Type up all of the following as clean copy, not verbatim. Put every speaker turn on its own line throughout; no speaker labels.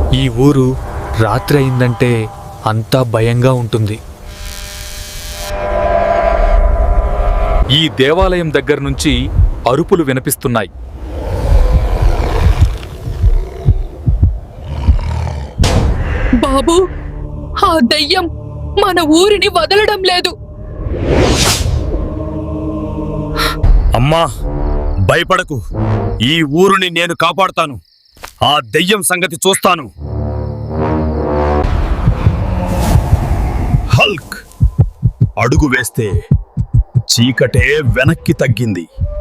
ఈ ఊరు రాత్రి అయిందంటే అంతా భయంగా ఉంటుంది. ఈ దేవాలయం దగ్గర నుంచి అరుపులు వినిపిస్తున్నాయి.
బాబూ, ఆ దయ్యం మన ఊరిని వదలడం లేదు.
అమ్మా, భయపడకు. ఈ ఊరుని నేను కాపాడుతాను. ఆ దెయ్యం సంగతి చూస్తాను. హల్క్ అడుగు వేస్తే చీకటే వెనక్కి తగ్గింది.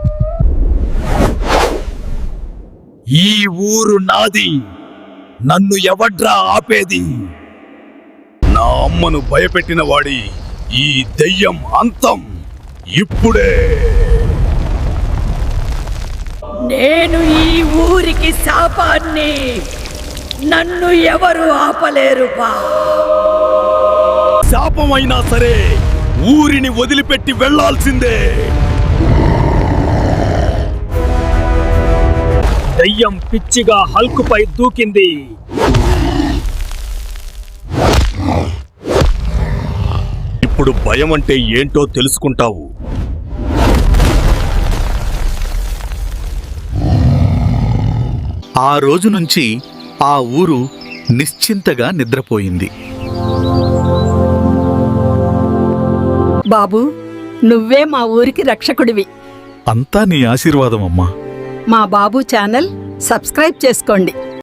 ఈ ఊరు నాది. నన్ను ఎవడ్రా ఆపేది? నా అమ్మను భయపెట్టిన వాడి ఈ దెయ్యం అంతం ఇప్పుడే.
నేను ఈ ఊరికి శాపాన్ని. నన్ను ఎవరు ఆపలేరుపా.
శాపమైనా సరే ఊరిని వదిలిపెట్టి వెళ్లాల్సిందే. దయ్యం పిచ్చిగా హల్కుపై దూకింది. ఇప్పుడు భయం అంటే ఏంటో తెలుసుకుంటావు.
ఆ రోజు నుంచి ఆ ఊరు నిశ్చింతగా నిద్రపోయింది.
బాబూ, నువ్వే మా ఊరికి రక్షకుడివి.
అంతా నీ ఆశీర్వాదం అమ్మా.
మా బాబు ఛానల్ సబ్స్క్రైబ్ చేసుకోండి.